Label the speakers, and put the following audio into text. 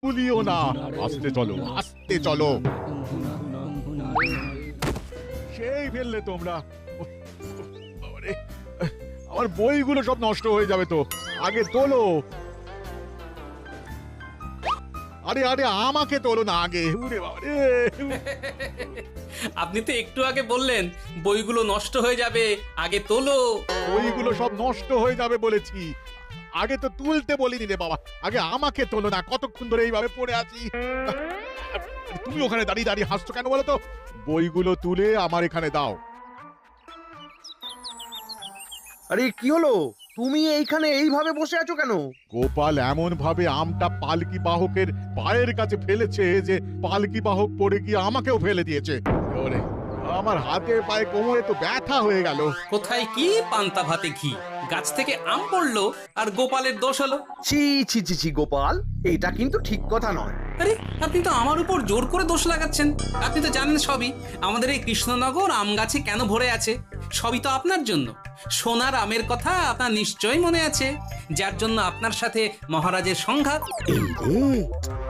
Speaker 1: তুলিও না। আস্তে চলো, আস্তে চলো। সেই ফেললে তোমরা। উফ, উফ, বাবারে, আমার বইগুলো সব নষ্ট হয়ে যাবে তো। আগে তোলো। আরে আরে আমাকে তোলো না আগে। উরে বাবারে।
Speaker 2: আপনি তো একটু আগে বললেন বইগুলো নষ্ট হয়ে যাবে, আগে তোলো।
Speaker 1: বইগুলো সব নষ্ট হয়ে যাবে বলেছি। আগে তো তুলতে বলিনি রে বাবা। আগে আমাকে তোলো না। কতক্ষণ ধরে এইভাবে পড়ে আছি। তুমি ওখানে দাঁড়িয়ে দাঁড়িয়ে হাসছো কেন বলো তো? বইগুলো তুলে আমার এখানে দাও।
Speaker 3: আরে কি হলো? তুমি এইখানে এইভাবে বসে আছো কেন?
Speaker 1: গোপাল এমন ভাবে আমটা পালকি বাহকের পায়ের কাছে ফেলেছে যে পালকি বাহক পড়ে গিয়ে আমাকেও ফেলে দিয়েছে। ওরে, আমার হাতে পায়ে কোমরে তো ব্যথা হয়ে গেল।
Speaker 2: কোথায় কি পান্তা ভাতে ঘি, গাছ থেকে আম পড়লো আর গোপালের দোষ হলো।
Speaker 3: ছি ছি ছি ছি গোপাল, এটা কিন্তু ঠিক কথা নয়।
Speaker 2: আরে আপনি তো আমার উপর জোর করে দোষ লাগাচ্ছেন। আপনি তো জানেন সবই, আমাদের এই কৃষ্ণনগর আম গাছে কেন ভরে আছে। সবই তো আপনার জন্য। সোনার আমের কথা আপনার নিশ্চয়ই মনে আছে, যার জন্য আপনার সাথে মহারাজের সংঘাত।
Speaker 3: এই রে,